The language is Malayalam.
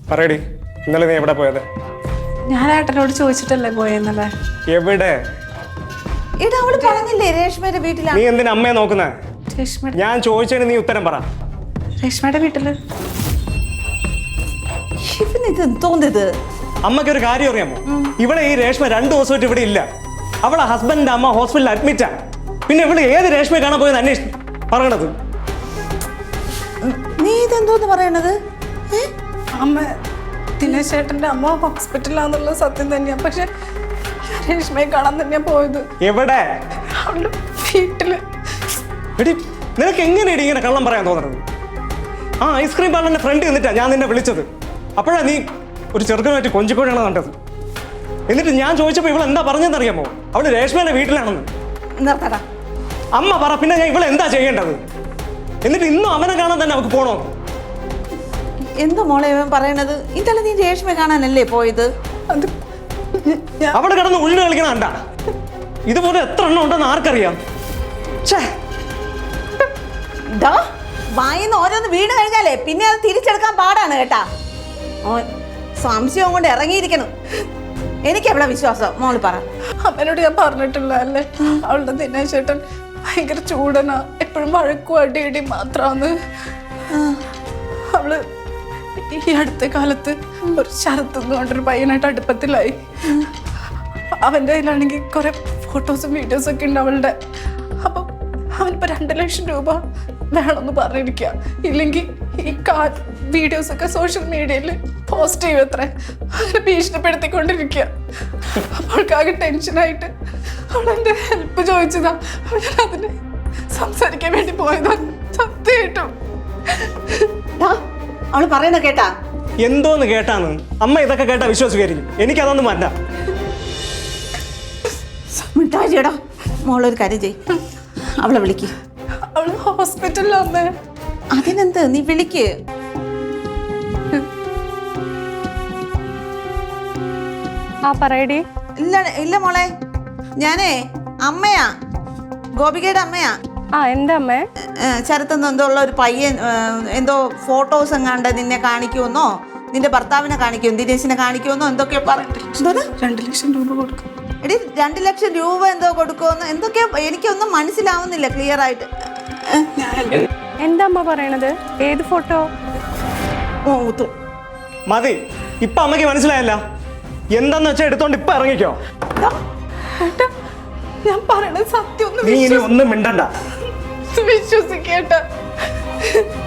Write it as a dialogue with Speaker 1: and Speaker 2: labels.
Speaker 1: പറയടി, ഇന്നലെ നീ എവിടെ പോയത്?
Speaker 2: ഞാൻ ഏട്ടനോട് ചോദിച്ചിട്ടല്ലേ പോയെന്നല്ലേ.
Speaker 1: എവിടെ?
Speaker 3: ഇടാ അവള് പറഞ്ഞില്ലേ രേഷ്മയുടെ വീട്ടിലാണ്.
Speaker 1: നീ എന്തിനാ അമ്മയെ നോക്കുന്നേ?
Speaker 2: രേഷ്മയുടെ
Speaker 1: ഞാൻ ചോദിച്ചതിന് നീ ഉത്തരം പറ.
Speaker 2: രേഷ്മയുടെ വീട്ടില്.
Speaker 3: ഇവനിത് തോന്നിയത്.
Speaker 1: അമ്മയ്ക്ക് ഒരു കാര്യം അറിയാമോ? ഇവിടെ ഈ രേഷ്മ 2 ദിവസമായിട്ട് ഇവിടെ ഇല്ല. അവളെ ഹസ്ബൻഡിന്റെ അമ്മ ഹോസ്പിറ്റലിൽ അഡ്മിറ്റാ. പിന്നെ ഇവിടെ ഏത് രേഷ്മയെ കാണാൻ പോയെന്ന് അന്വേഷിച്ചു പറയണത്.
Speaker 3: നീ ഇതെന്തോന്ന് പറയണത്?
Speaker 2: അമ്മ ദിനേശ് ചേട്ടന്റെ അമ്മ ഹോസ്പിറ്റലാന്നുള്ള സത്യം തന്നെയാ. പക്ഷെ രേഷ്മയെ കാണാൻ തന്നെയാ പോയത്.
Speaker 1: എവിടെ?
Speaker 2: അവളുടെ വീട്ടില്.
Speaker 1: എടി, നിനക്ക് എങ്ങനെയാണ് ഇങ്ങനെ കള്ളം പറയാൻ തോന്നുന്നത്? ആ ഐസ്ക്രീം പാർലറിന്റെ ഫ്രണ്ട് നിന്നിട്ടാ ഞാൻ നിന്നെ വിളിച്ചത്. അപ്പോഴാ നീ ഒരു ചെറുക്കനുമായിട്ട് കൊഞ്ചിക്കോഴാണ് കണ്ടത്. എന്നിട്ട് ഞാൻ ചോദിച്ചപ്പോൾ ഇവൾ എന്താ പറഞ്ഞതെന്ന് അറിയാമോ? അവള് രേഷ്മയുടെ വീട്ടിലാണെന്ന്.
Speaker 3: നിർത്തടാ.
Speaker 1: അമ്മ പറ, പിന്നെ ഞാൻ ഇവളെ എന്താ ചെയ്യേണ്ടത്? എന്നിട്ട് ഇന്നും അവനെ കാണാൻ തന്നെ അവൾക്ക് പോണോ?
Speaker 3: എന്തോ മോളെ ഇവൻ പറയണത്? ഇന്നലെ നീ രേഷ്മയെ കാണാനല്ലേ പോയത്?
Speaker 2: അത്
Speaker 1: അവിടെ കിടന്ന് ഉള്ളിൽ കളിക്കണ കണ്ട. ഇതുപോലെ എത്ര എണ്ണം ഉണ്ടെന്ന് ആർക്കറിയാം?
Speaker 3: വായിന്ന് ഓരോന്ന് വീണ് കഴിഞ്ഞാലേ പിന്നെ അത് തിരിച്ചെടുക്കാൻ പാടാണ് കേട്ടാ. സംശയം കൊണ്ട് ഇറങ്ങിയിരിക്കണം. എനിക്ക് എവിടെ വിശ്വാസം? മോള് പറ.
Speaker 2: അമ്മനോട് ഞാൻ പറഞ്ഞിട്ടില്ല അല്ലേ, അവളുടെ ദിനേശ് ചേട്ടൻ ഭയങ്കര ചൂടനാ, എപ്പോഴും വഴക്കും അടിയടി മാത്രാന്ന്. അവള് ഈ അടുത്ത കാലത്ത് ഒരു ശരത്ത് കൊണ്ടൊരു പയ്യനായിട്ട് അടുപ്പത്തിലായി. അവന്റെ കയ്യിലാണെങ്കിൽ കുറെ ഫോട്ടോസും വീഡിയോസും ഒക്കെ ഉണ്ട് അവളുടെ. അപ്പൊ അവനിപ്പോ 2 ലക്ഷം രൂപ വേണമെന്ന് പറഞ്ഞിരിക്കുക. ഇല്ലെങ്കിൽ ഈ വീഡിയോസ് ഒക്കെ സോഷ്യൽ മീഡിയയിൽ പോസ്റ്റ് ചെയ്യും അത്ര. അങ്ങനെ ഭീഷണിപ്പെടുത്തിക്കൊണ്ടിരിക്കുക. അവൾക്കാകെ ടെൻഷനായിട്ട് അവളെന്റെ ഹെൽപ്പ് ചോദിച്ചതാ. ഞാൻ അതിന് സംസാരിക്കാൻ വേണ്ടി പോയതാ. സത്യമായിട്ടും
Speaker 3: അവള് പറയണ കേട്ടാ?
Speaker 1: എന്തോന്ന് കേട്ടാന്ന്? അമ്മ ഇതൊക്കെ കേട്ടാ വിശ്വസിക്കായിരിക്കും. എനിക്കതൊന്നും വേണ്ട.
Speaker 3: മിഠായിടാ. മോളൊരു കാര്യം ചെയ്, അവളെ വിളിക്ക്.
Speaker 2: അവള് ഹോസ്പിറ്റലിലാന്ന്.
Speaker 3: അതിനെന്ത്, നീ വിളിക്ക്.
Speaker 2: പറയടി.
Speaker 3: ഇല്ല ഇല്ല മോളെ, ഞാനേ അമ്മയാ, ഗോപികയുടെ അമ്മയാ.
Speaker 2: എന്താ അമ്മേ?
Speaker 3: ശരത്തെന്ന് എന്തോ ഉള്ള ഒരു പയ്യൻ എന്തോ ഫോട്ടോസ് എങ്ങാണ്ട് നിന്നെ കാണിക്കുമെന്നോ നിന്റെ ഭർത്താവിനെ കാണിക്കും, ദിനേശിനെ കാണിക്കുമെന്നോ എന്തൊക്കെയോ പറഞ്ഞു.
Speaker 2: 2 ലക്ഷം രൂപ കൊടുക്കും.
Speaker 3: എടി 2 ലക്ഷം രൂപ എന്തോ കൊടുക്കുമെന്ന് എന്തൊക്കെയോ എനിക്കൊന്നും മനസ്സിലാവുന്നില്ല ക്ലിയർ ആയിട്ട്.
Speaker 2: എന്താ അമ്മ പറയണത്? ഏത് ഫോട്ടോ?
Speaker 1: മതി, ഇപ്പൊ അമ്മയ്ക്ക് മനസ്സിലായല്ല. എന്താന്ന് വെച്ചാൽ എടുത്തോണ്ട് ഇപ്പൊ ഇറങ്ങിക്കോ.
Speaker 2: ഞാൻ പറയണത് സത്യം.
Speaker 1: നീ ഇനി ഒന്നും മിണ്ടണ്ട.
Speaker 2: വിശ്വസിക്കേട്ട.